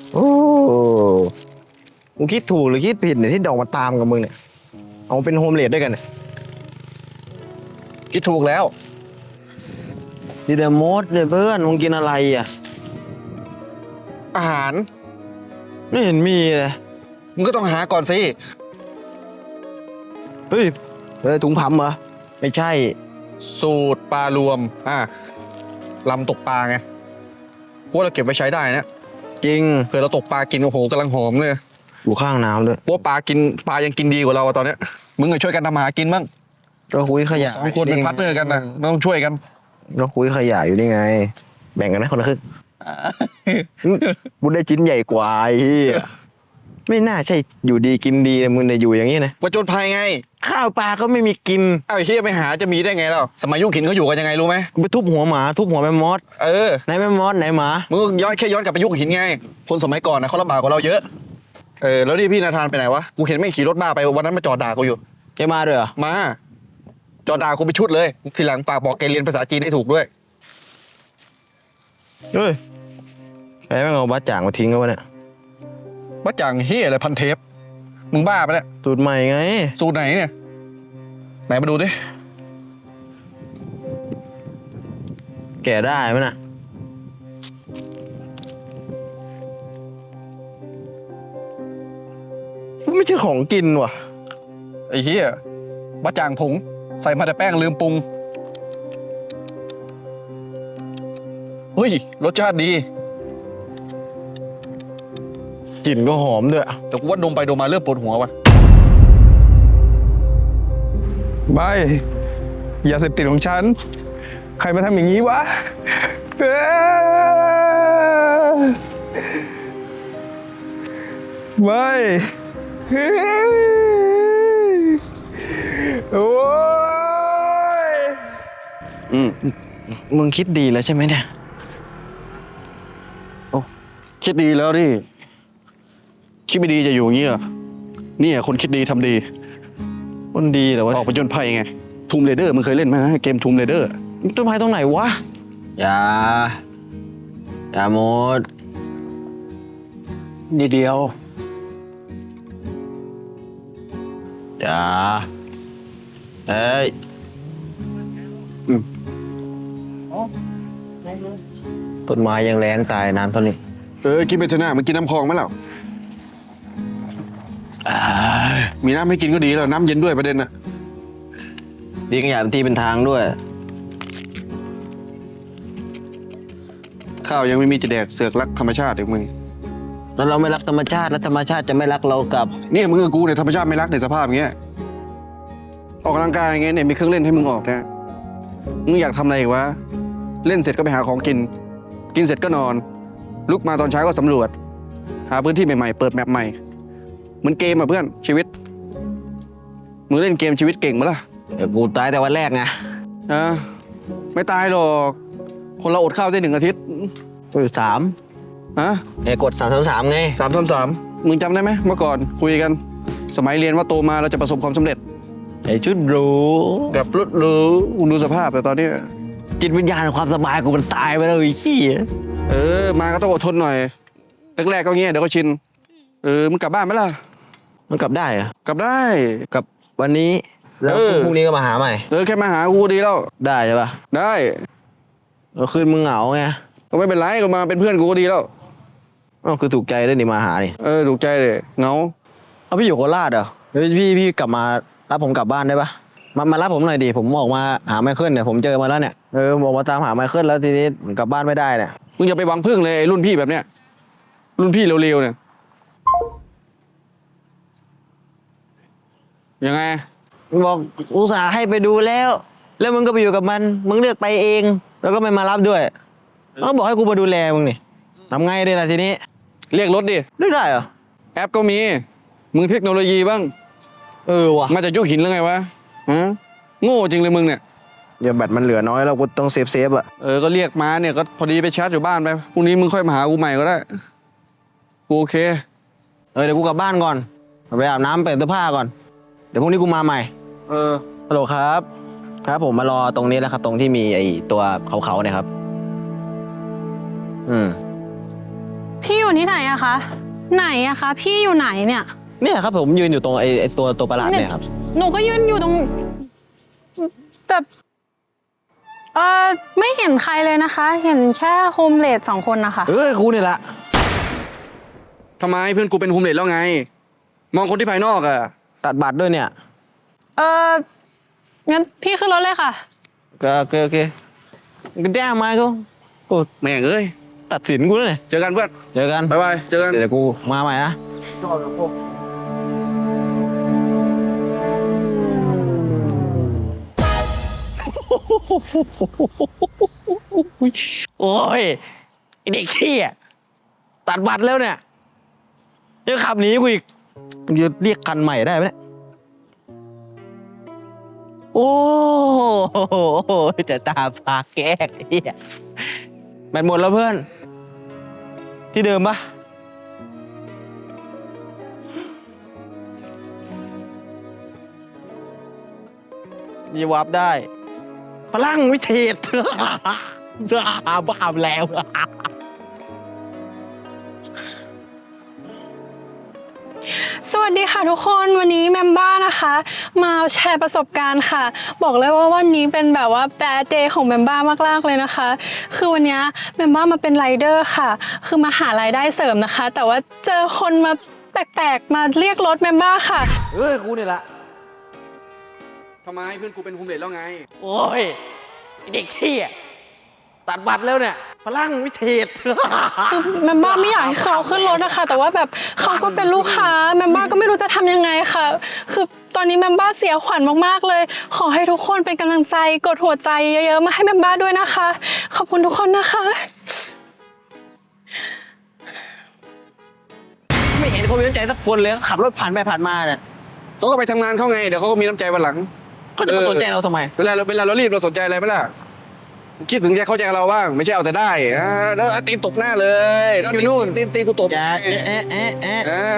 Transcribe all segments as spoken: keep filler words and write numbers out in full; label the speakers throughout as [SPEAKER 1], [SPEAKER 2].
[SPEAKER 1] โอ้มึงคิดถูกหรือคิดผิดเนี่ยที่ดอกมาตามกับมึงเนี่ยเอาเป็นโฮมเลดด้วยกันเนี่ย
[SPEAKER 2] คิดถูกแล้ว
[SPEAKER 1] ดีแต่มดเนี่ยเพื่อนมึงกินอะไรอ่ะ
[SPEAKER 2] อาหาร
[SPEAKER 1] ไม่เห็นมีเลย
[SPEAKER 2] มึงก็ต้องหาก่อนสิ
[SPEAKER 1] เฮ้ยเฮ้ยถุงพัมเหรอไม่ใช่
[SPEAKER 2] สูตรปลารวมอ่ะลำตกปลาไงพวกเราเก็บไว้ใช้ได้นะ
[SPEAKER 1] จริง
[SPEAKER 2] เผื่อเราตกปลากินโอ้โหกำลังหอมเลย
[SPEAKER 1] อยู่ข้างน้ำด้วย
[SPEAKER 2] พวกปลากินปลายังกินดีกว่าเราอะตอนเนี้ยมึงก็ช่วยกันทำมาหากินบ้าง
[SPEAKER 1] ก็คุยขยะ
[SPEAKER 2] สองคนเป็นพาร์ทเนอร์กันนะต้องช่วยกัน
[SPEAKER 1] ก็คุยขยะอยู่นี่ไง แบ่งกันนะคนละครึ่งบุญได้ชิ้นใหญ่กว่าไอ้เหี้ยไม่น่าใช่อยู่ดีกินดีนะมึงเนี่ยอยู่อย่างนี้นะ
[SPEAKER 2] ประจนภัยไง
[SPEAKER 1] ข้าวปลาก็ไม่มีกิน
[SPEAKER 2] เอ้าไอ้เฮียไปหาจะมีได้ไงเราสมัยยุคหินเขาอยู่กันยังไงรู้ไหม
[SPEAKER 1] ไปทุบหัวหมาทุบหัวแม่มด
[SPEAKER 2] เออ
[SPEAKER 1] ไหนแม่มดไหนหมา
[SPEAKER 2] มึงก็ย้อนแค่ย้อนกลับไปยุคหินไงคนสมัยก่อนนะเขาลำบากกว่าเราเยอะเออแล้วนี่พี่นาธานไปไหนวะกูเห็นไม่ขี่รถบ้าไปวันนั้นมาจอดด่ากูอยู่
[SPEAKER 1] แกมาด้วยเหรอ
[SPEAKER 2] มาจอด่ากูไปชุดเลยทีหลังฝากบอกแกเรียนภาษาจีนให้ถูกด้วย
[SPEAKER 1] เฮ้ยใครแม่งเอาบ้าจ่างมาทิ้งเอาไว้เนี่ย
[SPEAKER 2] ว่าจังเฮียอะไรพันเทปมึงบ้าไปะเนี่ย
[SPEAKER 1] สูตรใหม่ไง
[SPEAKER 2] สูตรไหนเนี่ยไหนมาดูดิ
[SPEAKER 1] แก่ได้ไหมน่ะไม่ใช่ของกินว่ะ
[SPEAKER 2] ไอ้เฮียว่าจางผงใส่มาแต่แป้งลืมปรุงเฮ้ยรสชาติดี
[SPEAKER 1] กลิ่นก็หอมด้วย
[SPEAKER 2] แต่กูว่าดมไปดมมาเริ่มปวดหัวว่ะ
[SPEAKER 3] ไม่อย่าเสพติดของฉัน ใครมาทำอย่างนี้วะเอ้อไม่เฮ้ยโอ้ย
[SPEAKER 2] อืม
[SPEAKER 1] มึงคิดดีแล้วใช่ไหมเนี่ย
[SPEAKER 2] คิดดีแล้วดิคิดไม่ดีจะอยู่อย่างนี้เหรอนี่คนคิดดีทำดี
[SPEAKER 1] มันดีเหรอวะ
[SPEAKER 2] ออกไปจนภัยไงทูมเรเดอร์มึงเคยเล่นไหมเกมทูมเรเดอร์
[SPEAKER 1] ต้นไม้ตรงไหนวะ อย่า อย่าหมดนิดเดียว อย่า เฮ้ยอืมต้นไม้ยังแรงตายน้ำเท่านี้
[SPEAKER 2] เออกินไปเถอะนะมึงกินน้ำคลองไหมล่ะมีน้ำให้กินก็ดีแล้วน้ำเย็นด้วยประเด็นน่ะ
[SPEAKER 1] ดีกันอย่าเป็นที่เป็นทางด้วย
[SPEAKER 2] ข้าวยังไม่มีจะแดกเสือกรักธรรมชาติอีกมึง
[SPEAKER 1] แล้วเราไม่รักธรรมชาติแล้วธรรมชาติจะไม่รักเรากลับ
[SPEAKER 2] เนี่ยมึงกับกูเนี่ยธรรมชาติไม่รักในสภาพอย่างเงี้ยออกกำลังกายอย่างเงี้ยเนี่ยมีเครื่องเล่นให้มึงออกนะมึงอยากทำอะไรอีกวะเล่นเสร็จก็ไปหาของกิน กินเสร็จก็นอนลุกมาตอนเช้าก็สำรวจ หาพื้นที่ใหม่ๆเปิดแมปใหม่เหมือนเกมอ่ะเพื่อนชีวิตมึงเล่นเกมชีวิตเก่งมั้ยล่ะ
[SPEAKER 1] เดี๋ยวกูตายแต่วันแรกไง
[SPEAKER 2] อ่ะไม่ตายหรอกคนเราอดข้าวได้หนึ่งอาทิตย์
[SPEAKER 1] กูอยู่สาม
[SPEAKER 2] ฮะ
[SPEAKER 1] ไอ้กดสามสามสามไง
[SPEAKER 2] สามสามสามมึงจำได้ไหมเมื่อก่อนคุยกัน สมัยเรียนว่าโตมาเราจะประสบความสำเร็จ
[SPEAKER 1] ไอ้ชุดหรู
[SPEAKER 2] กับรถหรูดูสภาพแต่ตอนนี้
[SPEAKER 1] จิตวิญญาณของความสบายกูมันตายไปแล้วไอ้ขี้ย
[SPEAKER 2] เออมาก็ต้องอดทนหน่อยแรกๆก็เงี้ยเดี๋ยวก็ชินเออมึงกลับบ้านไหมล่ะ
[SPEAKER 1] มันกลับได้เหรอะ
[SPEAKER 2] กลับได้
[SPEAKER 1] กลับวันนี้แล้ว
[SPEAKER 2] เออ
[SPEAKER 1] พรุ่งนี้ก็มาหาใหม่
[SPEAKER 2] เออแค่มาหากูดีแล้ว
[SPEAKER 1] ได้ใช่ปะ
[SPEAKER 2] ได้
[SPEAKER 1] แล้วคืนมึงเหงาไง
[SPEAKER 2] ก็ไม่เป็นไรก็มาเป็นเพื่อนกูก็ดีแล้ว
[SPEAKER 1] อ๋อคือถูกใจด้วยนี่มาหานี่
[SPEAKER 2] เออถูกใจเลยเหงา
[SPEAKER 1] เอาพี่อยู่โคราชเหรอเฮ้ยพี่พี่กลับมารับผมกลับบ้านได้ปะมามารับผมหน่อยดิผมออกมาหาไมเคิลเนี่ยผมเจอมาแล้วเนี่ยเออผมออกมาตามหาไมเคิลแล้วทีนี้ผมกลับบ้านไม่ได้เนี่ย
[SPEAKER 2] มึงอย่าไปหวังพึ่งเลยไอ้รุ่นพี่แบบเนี้ยรุ่นพี่เร็วๆเนี่ยยังไง
[SPEAKER 1] บอกอุตส่าห์ให้ไปดูแล้ว แล้วมึงก็ไปอยู่กับมันมึงเลือกไปเอง แล้วก็ไม่มารับด้วยเขาบอกให้กูมาดูแลมึงนี่ทำไงดีล่ะทีนี้
[SPEAKER 2] เรียกรถดิ
[SPEAKER 1] เลือกได้เหรอ
[SPEAKER 2] แอปก็มีมึงเทคโนโลยีบ้าง
[SPEAKER 1] เออว่ะ
[SPEAKER 2] มาจากยุคหินแล้วไงวะฮะโง่จริงเลยมึงเนี่ย
[SPEAKER 1] เดี๋ยวแบตมันเหลือน้อยแล้วกูต้องเซฟเซฟอะ
[SPEAKER 2] เออก็เรียกมาเนี่ยก็พอดีไปชาร์จอยู่บ้านไปพรุ่งนี้มึงค่อยมาหากูใหม่ก็ได้กูโอเค
[SPEAKER 1] เออเดี๋ยวกูกลับบ้านก่อนไปอาบน้ำเปลี่ยนเสื้อผ้าก่อนเดี๋ยวพรุ่งนี้กูมาใหม่
[SPEAKER 2] เออ
[SPEAKER 1] ฮัลโหลครับ ครับผมมารอตรงนี้แล้วครับตรงที่มีไอ้ตัวเขาๆเนี่ยครับ อืม
[SPEAKER 2] โอเค
[SPEAKER 4] พี่อยู่ที่ไหนอะคะ ไหนอะคะ พี่อยู่ไหนเนี่ย
[SPEAKER 1] เนี่ยครับผมยืนอยู่ตรงไอ้ไอ้ตัวตัวประหลาดเนี่ยครับ
[SPEAKER 4] หนูก็ยืนอยู่ตรง แต่เออไม่เห็นใครเลยนะคะ เห็นแค่โฮมเลดสองคนนะคะ
[SPEAKER 1] เอ้ยกูนี่แหละ
[SPEAKER 2] ทำไมเพื่อนกูเป็นโฮมเลดแล้วไง มองคนที่ภายนอกอะ
[SPEAKER 1] ตัดบัตรด้วยเนี่ย
[SPEAKER 4] เอองั้นพี่ขึ้นรถเลยค่ะ
[SPEAKER 1] ก็โอเคโอเคก็แจ้งมากูโอ้
[SPEAKER 2] แม่งเอ้ย
[SPEAKER 1] ตัดสินกูเลย
[SPEAKER 2] เจอกันเพื่อน
[SPEAKER 1] เจอกัน
[SPEAKER 2] บ๊ายบายเจอกัน
[SPEAKER 1] เดี๋ยวกูมาใหม่นะโอ้ยไอเด็กขี้อ่ะตัดบัตรแล้วเนี่ยยังขับหนีกูอีกมึงจะเรียกคันใหม่ได้ไหมเนี่ยโอ้โหจะตาพาแก้ไอ้เหี้ยแบตหมดแล้วเพื่อน ที่เดิมปะยีวับได้ พลังวิเทศ บ้าแล้ว
[SPEAKER 4] สวัสดีค่ะทุกคนวันนี้แมมบ้านะคะ มาแชร์ประสบการณ์ค่ะ บอกเลยว่าวันนี้เป็นแบบว่าแบดเดย์ของแมมบ้ามากๆเลยนะคะ คือวันนี้แมมบ้ามาเป็นไรเดอร์ค่ะ คือมาหารายได้เสริมนะคะ แต่ว่าเจอคนมาแปลกๆมาเรียกรถแมมบ้าค่ะ
[SPEAKER 1] เอ้ยกูนี่แหละ
[SPEAKER 2] ทำไมเพื่อนกูเป็นโฮมเลดแล้วไง
[SPEAKER 1] โอ้ยไอ้เด็กขี้อ่ะตัดบัตรแล้วเนี่ย พลังวิเทศ
[SPEAKER 4] คือแมมบ้าไม่อยากให้เขาขึ้นรถนะคะ แต่ว่าแบบเขาก็เป็นลูกค้าแมมบ้าก็ไม่รู้จะทำยังไงค่ะ คือตอนนี้แมมบ้าเสียขวัญมากๆเลย ขอให้ทุกคนเป็นกำลังใจกดหัวใจเยอะๆมาให้แมมบ้าด้วยนะคะ ขอบคุณทุกคนนะคะ
[SPEAKER 1] ไม่เห็นเขามีน้ำใจสักคนเลยขับรถผ่านไปผ่านมาเนี่ย
[SPEAKER 2] เขาก็ไปทำงานเขาไง เดี๋ยวเขาก็มีน้ำใจวันหลัง
[SPEAKER 1] เขาจะมาสนใจเราทำไม
[SPEAKER 2] เวลาเราเวลาเรารีบเราสนใจอะไรไหมล่ะ คิดถึงใจเข้าใจเราบ้าง ไม่ใช่เอาแต่ได้อ่าแล้วตีนตบหน้าเลยแล้ว
[SPEAKER 1] อยู่นู่น
[SPEAKER 2] ตีนตีนกูตบ
[SPEAKER 1] อย่าเอ๊ะเอ๊ะเอ๊ะเอ๊ะ
[SPEAKER 2] อ่า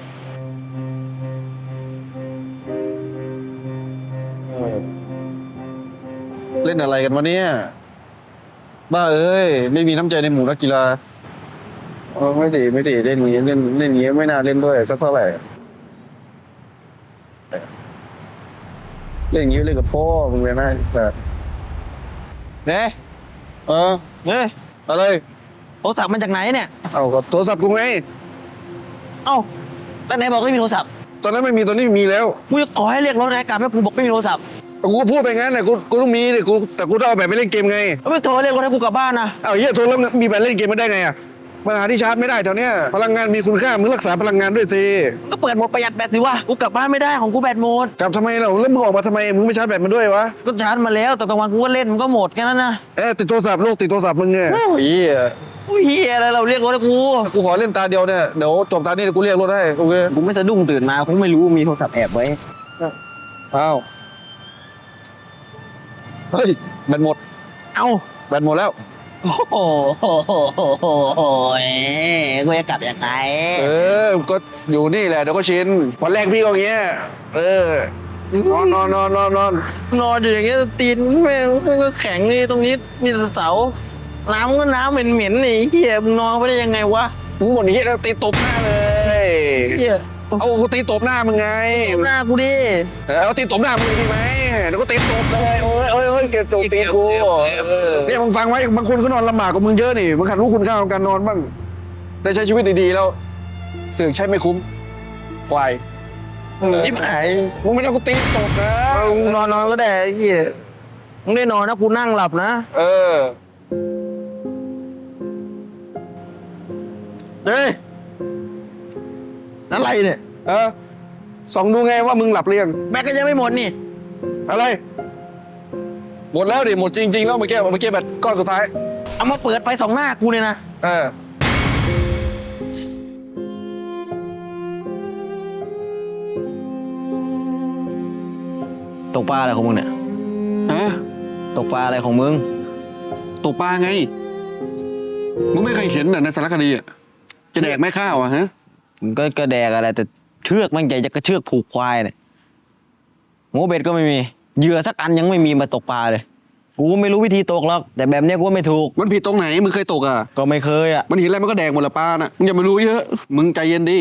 [SPEAKER 2] เล่นอะไรกันวะเนี่ยบ้าเอ้ยไม่มีน้ำใจในหมู่นักกีฬาเออไม่ดีไม่ดีเล่นนี้เล่นเล่นนี้ไม่น่าเล่นด้วยสักเท่าไหร่เล่นอย่างนี้เล่นกับพ่อมึงเลยนะแต่
[SPEAKER 1] เนี่ย
[SPEAKER 2] เออ
[SPEAKER 1] เนี่ย
[SPEAKER 2] อะไร
[SPEAKER 1] โทรศัพท์มาจากไหนเนี่ย
[SPEAKER 2] เอาก็โทรศัพท์กูไง
[SPEAKER 1] เอ้าแล้วไหนบอกไม่มีโทรศัพท์
[SPEAKER 2] ตอนนั้นไม่มีตอนนี้มีแล้ว
[SPEAKER 1] กูจะขอให้เรียกรถนายกลับแล้วกูบอกไม่มีโทรศัพท์
[SPEAKER 2] กูก็พูดไปงั้นนะกูกูต้องมีดิกูแต่กูต้องเอาแบบไปเล่นเกมไง
[SPEAKER 1] แล้วไม่โทรเรียกรถให้กูกลับบ้านนะ
[SPEAKER 2] เอาเหี้ยโทรแล้วมีแบบเล่นเกมไม่ได้ไงอ่ะปัญหาที่ชาร์จไม่ได้แถวเนี้ยพลังงานมีคุณค่ามึงรักษาพลังงานด้วยสิ
[SPEAKER 1] ก็เปิดโหมดประหยัดแบตสิวะกูกลับบ้านไม่ได้ของกูแบตหมด
[SPEAKER 2] กลับทำไมเราแล้วมึงออกมาทำไมมึงไม่ชาร์จแบตมันด้วยวะ
[SPEAKER 1] ก็ชาร์จมาแล้วแต่กลางวันกูก็เล่นมันก็หมดแค่นั้นนะ
[SPEAKER 2] เอ๊ะติดโทรศัพท์โลกติดโทรศัพท์มึงไงโอ้ยเหี้ย
[SPEAKER 1] อุ้ยเฮียอะไรเราเรียกรถให้กู
[SPEAKER 2] กูขอเล่นตาเดียวเนี่ยเดี๋ยวจบตานี้เดี๋ยวกูเรียกรถให้โอเค
[SPEAKER 1] กูไม่สะดุ้งตื่นมากูไม่รู้มีโทรศัพท์แอบไว้
[SPEAKER 2] อ้าวเฮ้ยแบตหมด
[SPEAKER 1] เอ้า
[SPEAKER 2] แบตหมดแล้ว
[SPEAKER 1] โอ้โหกูจะกลับยังไง
[SPEAKER 2] เออก็อยู่นี่แหละเดี๋ยวก็ชินวันแรกพี่ก็อย่างเงี้ยเออนอนนอนนอนนอนนอน
[SPEAKER 1] นอนอยู่อย่างเงี้ยตีนแม่งก็แข็งนี่ตรงนี้มีแต่เสาน้ำก็น้ำเหม็นๆนี่เฮียมึงนอนไปได้ยังไงวะ
[SPEAKER 2] มึงหมดอย่างเงี้ยแล้วตีตบหน้าเลย
[SPEAKER 1] เฮีย
[SPEAKER 2] เอากูตีตบหน้ามึงไง
[SPEAKER 1] ตบหน้ากูดิ
[SPEAKER 2] เออเอาตีตบหน้ามึงดีไหมเดี๋ยวก็ตีตบเลยโอ้ยโอ้ยโอ้ยเกลียดตบตีนกูเนี่ยมึงฟังไว้บางคนเขานอนลำบากกว่ามึงเยอะนี่มึงขัดรู้คุณค่าของการนอนบ้างได้ใช้ชีวิตดีๆแล้วเสื่อใช้ไม่คุ้มควาย
[SPEAKER 1] นี่หาย
[SPEAKER 2] มึงไม่ต้องกูตีตบนะ
[SPEAKER 1] มึงนอนนอนก็ได้เฮียมึงได้นอนนะกูนั่งหลับนะ
[SPEAKER 2] เออ
[SPEAKER 1] เฮ้ยอะไรเนี่ย
[SPEAKER 2] เออส่องดูไงว่ามึงหลับหรือยัง
[SPEAKER 1] แบกก็ยังไม่หมดนี่
[SPEAKER 2] อะไรหมดแล้วดิหมดจริงๆแล้วเมื่อกี้เมื่อกี้แบบก้อนสุดท้าย
[SPEAKER 1] เอามาเปิดไฟสองหน้ากูเนี่ยนะ
[SPEAKER 2] เออ
[SPEAKER 1] ตกปลาอะไรของมึงเนี่ย
[SPEAKER 2] ฮะ
[SPEAKER 1] ตกปลาอะไรของมึง
[SPEAKER 2] ตกปลาไงมึงไม่เคยเห็นเหรอในสารคดีอ่ะจะแดกไม่ข้าวอ่ะฮะ
[SPEAKER 1] มันก็กระแดกอะไรแต่เชือกมันใหญ่จะกระเชือกผูกควายเนี่ยโมเบ็ดก็ไม่มีเหยื่อสักอันยังไม่มีมาตกปลาเลยกูไม่รู้วิธีตกหรอกแต่แบบเนี้ยกูว่าไม่ถูก
[SPEAKER 2] มันผิดตรงไหนมึงเคยตกอ่ะ
[SPEAKER 1] ก็ไม่เคยอ่ะ
[SPEAKER 2] มันเห็นอะไรมันก็แดกหมดละปลาน่ะมึงอย่ามารู้เยอะมึงใจเย็นดิ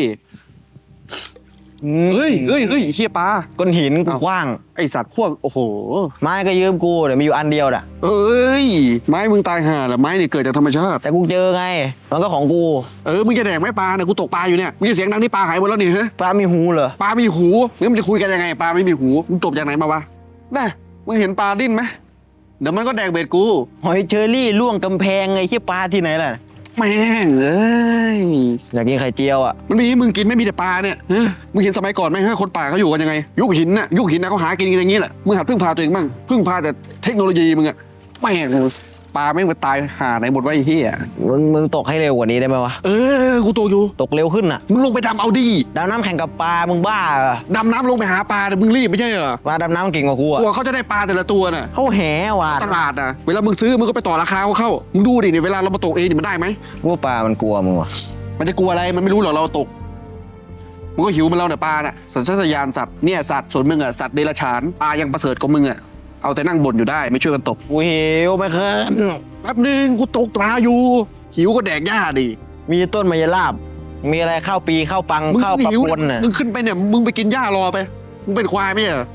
[SPEAKER 2] เฮ้ยเฮ้ยเฮ้ยเฮียปลา
[SPEAKER 1] ก้อนหินกู
[SPEAKER 2] อ้าว
[SPEAKER 1] ขว้าง
[SPEAKER 2] ไอสัตว์พวกโอ้โห
[SPEAKER 1] ไม้ก็ยืมกูเดี๋ยวมีอยู่อันเดียวน่ะ
[SPEAKER 2] เอ้ยไม้มึงตายห่าแหละไม้นี่เกิดจากธรรมชาติ
[SPEAKER 1] แต่กูเจอไงมันก็ของกู
[SPEAKER 2] เออมึงจะแดกไหมปลาเนี่ยกูตกปลาอยู่เนี่ยมึงจะเสียงดังที่ปลาหายหมดแล้วนี่ฮะ
[SPEAKER 1] ปลามีหูเหรอ
[SPEAKER 2] ปลามีหูงั้นมันจะคุยกันยังไงปลาไม่มีหูมึงจบจากไหนมาวะน่ะมึงเห็นปลาดิ้นไหมเดี๋ยวมันก็แดกเบ็ดกู
[SPEAKER 1] หอยเชอรี่ล่วงกำแพงไงที่ปลาที่ไหนล่ะ
[SPEAKER 2] แม่งเอ้ย
[SPEAKER 1] อยากกินไข่เจียวอ่ะ
[SPEAKER 2] มันมีให้มึงกินไม่มีแต่ปลาเนี่ยฮะมึงเห็นสมัยก่อนไหมฮะคนป่าเขาอยู่กันยังไงยุคหินน่ะยุคหินน่ะเขาหากินกันอย่างนี้แหละมึงหัดพึ่งพาตัวเองบ้างพึ่งพาแต่เทคโนโลยีมึงอะแม่งปลาแม่งมาตายหาไหนหมดวะไอ้เหี้ย
[SPEAKER 1] มึงมึงตกให้เร็วกว่านี้ได้ไหมวะ
[SPEAKER 2] เออกูโตอยู่
[SPEAKER 1] ตกเร็วขึ้นอ่ะ
[SPEAKER 2] มึงลงไปดำเอาดิ
[SPEAKER 1] ดำน้ำแข่งกับปลามึงบ้าเหรอ
[SPEAKER 2] ดำน้ำลงไปหาปลาแต่มึงรีบไม่ใช่เหรอ
[SPEAKER 1] ปลาดำน้ำเก่งกว่ากู
[SPEAKER 2] ก
[SPEAKER 1] อ่ะ
[SPEAKER 2] ลัวเขาจะได้ปลาแต่ละตัวน่ะ
[SPEAKER 1] เขาแหว่ะ
[SPEAKER 2] ตลาดน่ะเวลามึงซื้อมึงก็ไปต่อราคาเขาเข้ามึงดูดิเนี่ยเวลาเรามาตกเองนี่มันได้ไหม
[SPEAKER 1] กูว่าปลามันกลัวมึงว่ะ
[SPEAKER 2] มันจะกลัวอะไรมันไม่รู้หรอกเราตกมึงก็หิวมันเราเนี่ยปลาน่ะสัญชาตญาณสัตว์เนี่ยสัตว์ส่วนมึงอ่ะสัตว์เดรัจฉานปลายังประเสริฐกว่ามึงอ่ะเอาแต่นั่งบ่นอยู่ได้ไม่ช่วยกันตก
[SPEAKER 1] กูหิวไม่เคย
[SPEAKER 2] แป๊บนึงกูตกปลาอยู่ หิวก็แดกหญ้าดิ
[SPEAKER 1] มีต้นมะยราบมีอะไรข้าวปีข้าวปัง
[SPEAKER 2] มึง
[SPEAKER 1] ข้าวปลา
[SPEAKER 2] หิว
[SPEAKER 1] ปนน่ะ
[SPEAKER 2] มึงขึ้นไปเนี่ยมึงไปกินหญ้ารอไปมึงเป็นควายไม่ใช่เหรอ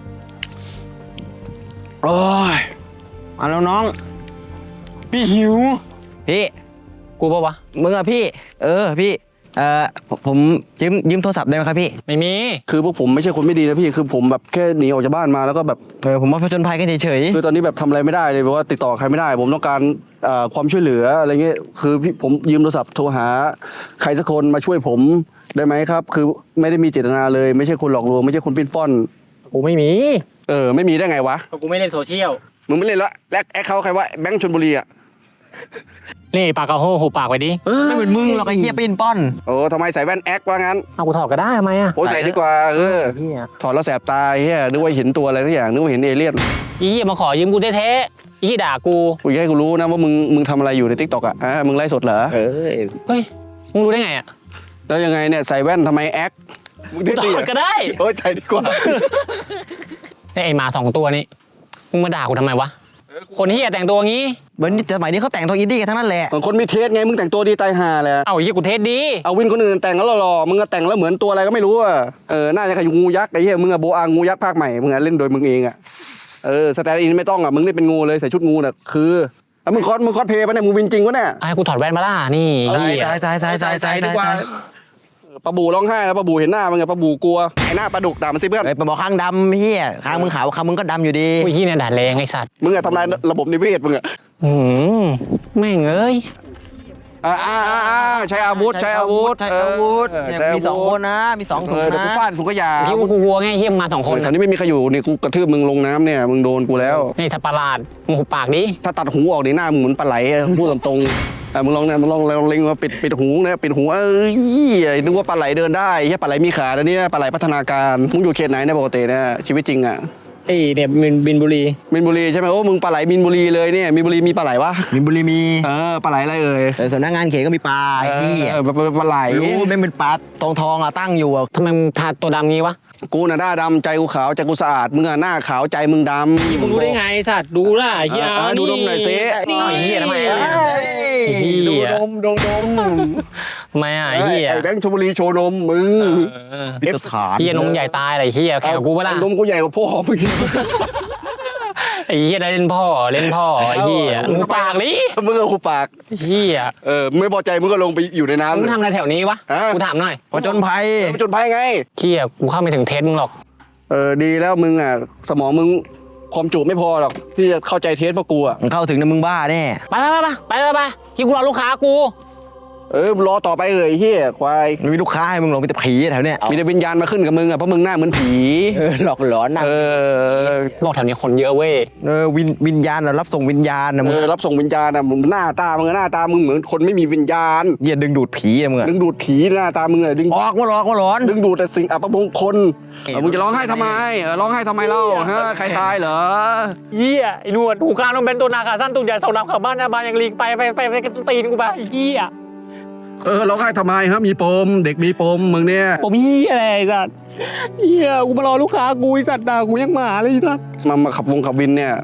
[SPEAKER 2] โอ้ย
[SPEAKER 1] เอาแล้วน้อง พี่หิวพี่
[SPEAKER 5] กูปะวะ
[SPEAKER 1] มึงอะพี่ เออพี่เอ่อผมผมยืมยืมโทรศัพท์ได้ไหมครับพี่
[SPEAKER 5] ไม่มี
[SPEAKER 2] คือพวกผมไม่ใช่คนไม่ดีนะพี่คือผมแบบแค่หนีออกจากบ้านมาแล้วก็แบบ
[SPEAKER 1] เออผมมาผจญภัยกันเฉย
[SPEAKER 2] คือตอนนี้แบบทำอะไรไม่ได้เลยแบบว่าติดต่อใครไม่ได้ ผมต้องการเอ่อความช่วยเหลืออะไรเงี้ยคือพี่ผมยืมโทรศัพท์โทรหาใครสักคนมาช่วยผมได้ไหมครับ คือไม่ได้มีเจตนาเลยไม่ใช่คนหลอกลวงไม่ใช่คนปิ้นป้อน
[SPEAKER 5] กูไม่มี
[SPEAKER 2] เออไม่มีได้ไงวะ
[SPEAKER 5] เพราะกูไม่เล่นโซเชียล
[SPEAKER 2] มึงไม่เล่นละแลกแอคเขาใครว่าแบงค์ชลบุรีอ่ะ
[SPEAKER 5] นี่ปากกาโฮหูปากไปดิ
[SPEAKER 1] ๆไม่เหมือนมึงหรอกไอ้เหี้ยปีนป้อน
[SPEAKER 2] โอ้ทำไมใส่แว่นแอคว่างั้น
[SPEAKER 5] เอากูถอดก็ได้ทำไมอ่ะ
[SPEAKER 2] โอ้ใส่ดีกว่าเออ
[SPEAKER 5] เฮีย
[SPEAKER 2] ถอดแล้วแสบตาเฮียนึกว่าเห็นตัวอะไรสักอย่างนึกว่าเห็นเอเลี่ยน
[SPEAKER 5] อีเหี้ยมาขอยืมกูแท้ๆอีที่ด่ากู
[SPEAKER 2] กูอยากให้กูรู้นะว่ามึงมึงทำอะไรอยู่ในทิกตอกอ่ะอ่ะมึงไลฟ์สดเหรอ
[SPEAKER 1] เออ
[SPEAKER 5] เฮ้ยมึงรู้ได้ไงอ่ะ
[SPEAKER 2] แล้วยังไงเนี่ยใส่แว่นทำไมแอคมึง
[SPEAKER 5] กู
[SPEAKER 2] เท่
[SPEAKER 5] ถ
[SPEAKER 2] ๆ
[SPEAKER 5] อด
[SPEAKER 2] อ่ะ
[SPEAKER 5] ก็ได้
[SPEAKER 2] โอ้ยใส่ดีกว่า
[SPEAKER 5] ไอ้หมาสองตัวนี้มึงมาด่ากูทำไมวะคนเฮียแต่งตัวงี้
[SPEAKER 1] วันนี้สมัยนี้เขาแต่งตัวอินดี้กันทั้งนั้นแหละ
[SPEAKER 2] เหมือนคนมีเทสไงมึงแต่งตัวดีตายห่าแหละ
[SPEAKER 5] เอ้าเฮียกูเทสดี
[SPEAKER 2] เอาวินคนอื่นแต่งแล้วหล่อๆมึงก็แต่งแล้วเหมือนตัวอะไรก็ไม่รู้อ่ะเออน่าจะขยุงูยักษ์ไอ้เหี้ยมึงอะโบอางูยักษ์ภาคใหม่มึงอะเล่นโดยมึงเองอ่ะเออสแตนด์อินไม่ต้องอ่ะมึงเล่นเป็นงูเลยใส่ชุดงูน่ะคืออ่ะมึงคอสมึงคอสเพลย์ปะเนี่ยมึงวินจริงวะเนี่ย
[SPEAKER 5] ไอ้กูถอดแว่นมาล่ะนี่
[SPEAKER 1] ตาย
[SPEAKER 5] เฮีย
[SPEAKER 1] ตายตายตายตายตาย
[SPEAKER 2] ดี
[SPEAKER 1] ตาย
[SPEAKER 2] กว่า
[SPEAKER 1] ตาย
[SPEAKER 2] เออปลาบูร้องไห้แล้วปลาบูเห็นหน้ามึงอะปลาบูกลัวไอ้หน้าปลาดุกด่ามันสิเพื่อน
[SPEAKER 1] ไอ้ปลาบอกข้างดำเหี้ยข้างมึงขาวข้างมึงก็ดำอยู่ดี
[SPEAKER 5] อุ้ยเฮียเนี่ยด่าแรงไอ้สัตว์
[SPEAKER 2] มึงอะทำลายระบบนิเวศมึงอะ
[SPEAKER 5] อืมแม่งเอ้ย
[SPEAKER 2] อ่าอ่าอ่าอ่าใช้อาวุธใช้อาวุธ
[SPEAKER 1] ใช้อาวุธ
[SPEAKER 2] เออ
[SPEAKER 1] เนี่ย
[SPEAKER 2] ใช้าวุธ
[SPEAKER 1] มีสองคนนะ มีสองถุ
[SPEAKER 2] เอง อเดี๋ยวกู
[SPEAKER 1] นะ
[SPEAKER 2] ฟาดถุงขยะ
[SPEAKER 5] คิดว่ากูกลัวไงเฮียมึงมาสอง
[SPEAKER 2] ค
[SPEAKER 5] คน น
[SPEAKER 2] แถวนี้ไม่มีใครอยู่นี่กูกระทืบมึงลงน้ำเนี่ยมึงโดนกูแล้ว
[SPEAKER 5] นี่สัตว์ประหลาดมึงหุบปากดิ
[SPEAKER 2] ถ้าตัดหูออกในหน้ามึงเหมือนปลาไหลอะพูดตรงๆอ่ะมึงลองเนี่ยมึงลองลองเล็งมาปิดปิดหูนะปิดหูเอ้ยนึกว่าปลาไหลเดินได้แค่ปลาไหลมีขาแล้วเนี่ยปลาไหลพัฒนาการมึงอยู่เขตไหนเนี่ยปกติเนี่ยชีวิตจริงอ่ะ
[SPEAKER 5] ไอ้เนี่ยบินบินบุรี
[SPEAKER 2] มินบุรีใช่ไหมโอ้มึงปลาไหลมินบุรีเลยเนี่ยมินบุรีมีปลาไหลวะ
[SPEAKER 1] มีบุรีมี
[SPEAKER 2] เออปลาไหลอะไรเอ่ย
[SPEAKER 1] เออสำนักงานเขตก็มีปลาไอ้เหี้ย
[SPEAKER 2] เออปลาปลาปลาไหล
[SPEAKER 1] รู้ไม่เป็นปลาทองทองๆอะตั้งอยู่อะ
[SPEAKER 5] ทำไมมึงทาตัวดำงี้วะ
[SPEAKER 2] กูน่ะหน้าดำใจกูขาวใจกูสะอาดมึงอ่ะหน้าขาวใจมึงดำ
[SPEAKER 5] มึงรู้ได้ไงสัตว์ดูล่ะเฮีย
[SPEAKER 2] เออดูนมหน่อยสิ
[SPEAKER 5] นี่ไอ้เฮียทำไม
[SPEAKER 1] เอ้
[SPEAKER 5] อ่ะ
[SPEAKER 1] ย
[SPEAKER 5] เฮี
[SPEAKER 2] ดู
[SPEAKER 5] ย
[SPEAKER 2] นมดูนม
[SPEAKER 5] ทำไมอ่ะไอ้เฮีย
[SPEAKER 2] ไอ้แบงค์ชลบุรีโชว์นมมึง
[SPEAKER 5] เออ
[SPEAKER 1] พิตรฐาน
[SPEAKER 5] เฮียนมใหญ่ตายอะไรเฮียแข่งกับกูปะล่ะ
[SPEAKER 2] นมกูใหญ่กว่าพ่อมึง
[SPEAKER 5] ไอ้เฮียได้เล่นพ่อเล่นพ่อไอ้เฮีย
[SPEAKER 2] เอา
[SPEAKER 5] มึงปากลิ
[SPEAKER 2] มึงเอาคูปาก
[SPEAKER 5] เฮีย
[SPEAKER 2] เออมึงไม่พอใจมึงก็ลงไปอยู่ในน้ำ
[SPEAKER 5] มึงทำอะไรแถวนี้วะ
[SPEAKER 2] ฮะ
[SPEAKER 5] กูถามหน่อย
[SPEAKER 1] ผจญภัย
[SPEAKER 2] ไปจนภัยไง
[SPEAKER 5] เฮียกูเข้าไม่ถึงเทสมึงหรอก
[SPEAKER 2] เออดีแล้วมึงอ่ะสมองมึงความจุไม่พอหรอกที่จะเข้าใจเทสพวกกูอ่ะ
[SPEAKER 1] มึงเข้าถึงนะมึงบ้าแน่
[SPEAKER 5] ไปไปไปไปไปไปไปที่กูรอลูกค้ากู
[SPEAKER 2] เออรอต่อไปเลยเฮียควาย
[SPEAKER 1] มันมีลูกค้าให้มึงหรอกมีแต่ผีแถวเนี้ย
[SPEAKER 2] มีแต่วิญญาณมาขึ้นกับมึงอ่ะเพราะมึงหน้าเหมือนผี
[SPEAKER 1] เออหลอกหลอนนะ
[SPEAKER 2] เออ
[SPEAKER 5] บอกแถวนี้คนเยอะเว้ย
[SPEAKER 1] เออวิญวิญญาณน่ะรับส่งวิญญาณนะ
[SPEAKER 2] เอ
[SPEAKER 1] มึง
[SPEAKER 2] อรับส่งวิญญาณอ่ะมึงหน้าตามึงอะหน้าตามึงเหมือนคนไม่มีวิญญาณ
[SPEAKER 1] เหี้ยดึงดูดผีอะมึงอะ
[SPEAKER 2] ดึงดูดผีหน้าตามึงอ่ะดึง
[SPEAKER 1] ออกมาหลอกมาหลอน
[SPEAKER 2] ดึงดูดแต่สิ่งอัปมงคล
[SPEAKER 1] เอ๊ะ
[SPEAKER 2] เออมึงจะร้องไห้ทำไมเออร้องไห้ทำไมเล่าฮะใครตายเหรอ
[SPEAKER 5] เฮียไอ้หนวดหูกลางต้องเป็นตัวนาขาสั้นตุ่นใหญ่สองดำขับบ้านหน้าบ้านยังลิงไปไปไปไปไปตีนกูไปเฮีย
[SPEAKER 2] เออร้องไห้ทำไมฮะมีปมเด็กมีปมมึงเนี่ย
[SPEAKER 5] ผมเฮียอะไรไอ้สัตว์เฮียกูมารอลูกค้ากูไอ้สัตว์ด่ากูยังหมาเลยไอ้สัตว์
[SPEAKER 2] มามาขับวงขับวินเนี่ย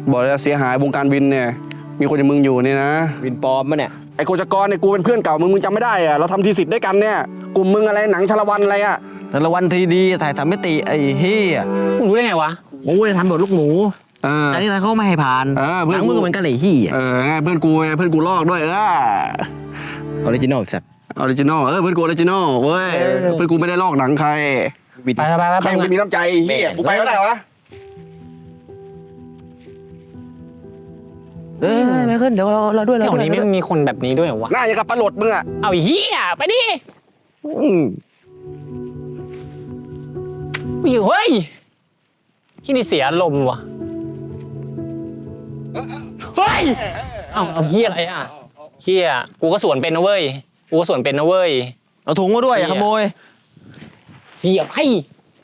[SPEAKER 2] บอกเลยเสียหายวงการวินเนี่ย มีคนอย่างมึงอยู่เนี่ยนะ
[SPEAKER 1] วินปลอมมาเนี่ย
[SPEAKER 2] ไอ้โคจกรเนี่ยกูเป็นเพื่อนเก่ามึงมึงจำไม่ได้อะเราทำทีสิทธิ์ด้วยกันเนี่ยกลุ่มมึงอะไรหนังชาละวันอะไรอะ
[SPEAKER 1] แต่ละวันทีดีถ่ายทำมิติไอ้เฮีย
[SPEAKER 5] มึงรู้ได้ไงวะ
[SPEAKER 1] โอ้ยทำแบบลูกหมู
[SPEAKER 2] เออ
[SPEAKER 1] แต่นี่ทางเขาไม่ให้ผ่าน
[SPEAKER 2] เออเพื่
[SPEAKER 1] ห
[SPEAKER 2] อน
[SPEAKER 1] นัง
[SPEAKER 2] กู
[SPEAKER 1] มือเหมือนกันเลยเฮีย
[SPEAKER 2] เออไงเพื่อนกูไงเพื่อนกูลอกด้วยเออ
[SPEAKER 1] ออริจินอลสัตว์
[SPEAKER 2] ออริจินอลเออเพื่อนกูออริจินอลเว้ย
[SPEAKER 1] เออ
[SPEAKER 2] เพื่อนกูไม่ได้ลอกหนังใคร
[SPEAKER 1] วิน
[SPEAKER 5] ไปไปไป
[SPEAKER 2] ใคร
[SPEAKER 5] ไป
[SPEAKER 2] ไม่มีน้ำใจเฮียกูไปก็ได้วะ
[SPEAKER 1] เออไม่ขึ้นเดี๋ยวเราเราด้วยเรา
[SPEAKER 5] แถว
[SPEAKER 1] ด้วย
[SPEAKER 5] นี้ไม่มีคนแบบนี้ด้วยเหรอวะ
[SPEAKER 2] หน้าอย่างกับปลาหลดมึงอะ
[SPEAKER 5] เอาไอ้เหี้ยไปดิ
[SPEAKER 1] อืม
[SPEAKER 5] อยู่เฮ้ยที่นี่เสียอารมณ์ว่ะเฮ้ยเอาเอาเหี้ยอะไรอ่ะเหี้ยกูก็สวนเป็นนะเว้ยกูก็สวนเป็นนะเว้ย
[SPEAKER 1] เอาถุงมาด้วยอย่าขโมย
[SPEAKER 5] เหี้ยไพ่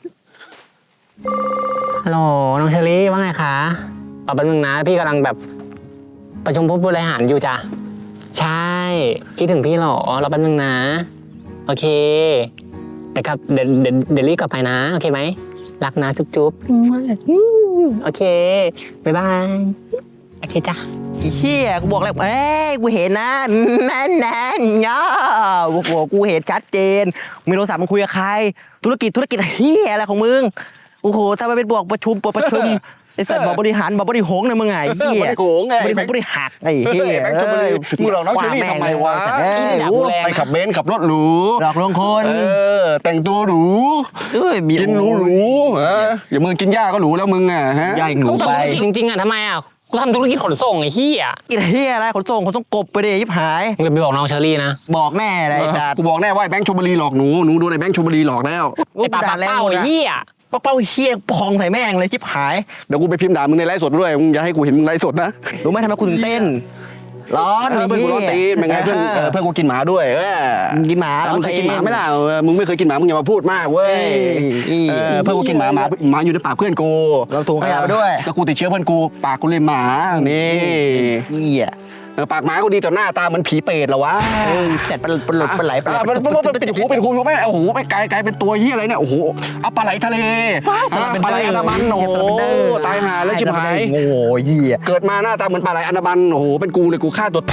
[SPEAKER 5] ฮัลโหลน้องเชอรี่ว่าไงคะตอบแป๊บนึงนะพี่กำลังแบบประชุมผู้บริหารอยู่จ้ะใช่คิดถึงพี่เหรอรอแป๊บนึงนะโอเคเดี๋ยวกลับเดี๋ยวเดี๋ยวเดี๋ยวรีบกลับไปนะโอเคไหมรักนะจุ๊บจุ๊บโอเคบ๊ายบายโอเคจ้ะ
[SPEAKER 1] ไอ้เฮียกูบอกแล้วเอ้ยกูเห็นนะนั่นนั่นเนาะกูบอกกูเห็นชัดเจนมีโทรศัพท์มึงคุยกับใคร ธุรกิจธุรกิจเฮียอะไรของมึงโอ้โหถ้าไปเป็นบอกประชุมประชุมไอ้สัตว์บอกบริหารบอกบริหงนะมึงไงไอ้เฮีย
[SPEAKER 2] บริโขงไง
[SPEAKER 1] บริหงบริหักไอ้เฮีย
[SPEAKER 2] แบงค์ชลบุรีมึงหลอกน้องเชอรี่ทำไมวะ
[SPEAKER 1] เอ้ย
[SPEAKER 5] ด่า
[SPEAKER 1] โอ้
[SPEAKER 5] กูแรง
[SPEAKER 2] ไปขับเบนซ์ขับรถหรู
[SPEAKER 1] หลอกลวงคน
[SPEAKER 2] เออแต่งตัวหรู
[SPEAKER 1] เอ้ยมี
[SPEAKER 2] กินหรูหรูๆเอออย่ามึงกินหญ้าก็หรูแล้วมึงอ่ะฮะ
[SPEAKER 1] ย่าหนู
[SPEAKER 5] กู
[SPEAKER 1] ไป
[SPEAKER 5] ทำธุรกิจจริงๆอ่ะทำไมอ่ะกูทำธุรกิจขนส่งไอ้เหี้ย
[SPEAKER 1] กินเฮียอะไรขนส่งขนส่งกบไปดิยิบหาย
[SPEAKER 5] มึงจะไปบอกน้องเชอรี่นะ
[SPEAKER 1] บอกแน่เลยไอ้จัด
[SPEAKER 2] กูบอกแน่ว่าไอ้แบงค์ชลบุรีหลอกหนูหนูโดนไอ้แบงค์ชลบุรีหลอกแล้ว
[SPEAKER 5] ไอ้ปลาปลาเป้าไอ้เหี้ย
[SPEAKER 1] ป้าเป้าเฮียพองใส่แม่งเลยชิบหาย
[SPEAKER 2] เดี๋ยวกูไปพิมพ์ด่ามึงในไลฟ์สดด้วยมึงอย่าให้กูเห็นมึงไลฟ์สดนะ
[SPEAKER 1] รู้ไหมทำไมกูถึงเต้น ร้อน
[SPEAKER 2] เออเพื่อนกูร้อนตีนเป็นไงเพื่อนเออเพื่อนกูกินหมาด้วยเออ
[SPEAKER 1] มึงกินหมา
[SPEAKER 2] เออ
[SPEAKER 1] ร้อ
[SPEAKER 2] มึ
[SPEAKER 1] น
[SPEAKER 2] งเคย
[SPEAKER 1] ตี
[SPEAKER 2] กินหมาไหมล่ะเออมึงไม่เคยกินหมามึงอย่ามาพูดมากเว้ย
[SPEAKER 1] เอ้ย
[SPEAKER 2] เออเพื่อนกูกินหมาหมาหมาอยู่ในปากเพื่อนกู
[SPEAKER 1] เราถุงขยะไปด้วย
[SPEAKER 2] แล้วกูติดเชื้อเพื่อนกูปากกูเลยหมานี่
[SPEAKER 1] เฮีย
[SPEAKER 2] เออปากหมากูดีแต่หน้าตาเหมือนผีเปรตเหรอวะ
[SPEAKER 1] เสร็จปลาปลาหลดปลาไหลปลาไหล
[SPEAKER 2] อ่ะมันมันมันปิดหูปิดหูถูกไหมโอ้โหไปไกลไกลเป็นตัวเฮียอะไรเนี่ยโอ้โหเอาปลาไหลทะเลอ่ะปลาไหลอันดามันโอ้โหตายหาแล้วชิบหาย
[SPEAKER 1] โอ้โหเฮีย
[SPEAKER 2] เกิดมาหน้าตาเหมือนปลาไหลอันดามันโอ้โหเป็นกูเลยกูฆ่าตัว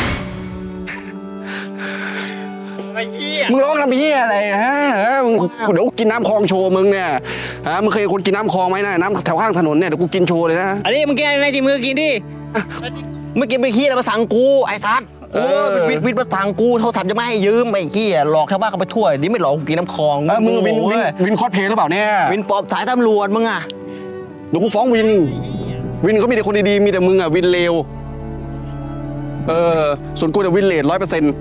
[SPEAKER 5] ไอ้เหี้ย
[SPEAKER 2] มึงร้องทำเฮียอะไรฮะฮะมึงเดี๋ยวกูกินน้ำคลองโชว์มึงเนี่ยฮะมึงเคยคนกินน้ำคลองไหมนะน้ำแถวข้างถนนเนี่ยเดี๋ยวกูกินโชว์เลยนะ
[SPEAKER 5] อันนี้มึงกินอะไรจริงมือกินดิ
[SPEAKER 1] เมื่อกี้ไปขี้อะไรมาสั่งกูไอ้ทัดโอ้ยวิทวิทมาสั่งกูโทรศัพท์จะไม่ให้ยืมไอ้ขี้หลอกชาวบ้านเขาไปทั่วนี่ไม่หลอกกูกินน้ำคลอง
[SPEAKER 2] เออมึงวินวิน
[SPEAKER 1] โอ้ย
[SPEAKER 2] วินคอสเพลย์หรือเปล่าเนี่ย
[SPEAKER 1] วินปอบสายตำรวจมึงอ่ะ
[SPEAKER 2] เดี๋ยวกูฟ้องวิน วินเขามีแต่คนดีๆมีแต่มึงอ่ะวินเลวเออส่วนกูเนี่ยวินเลดร้อยเปอร์เซ็นต์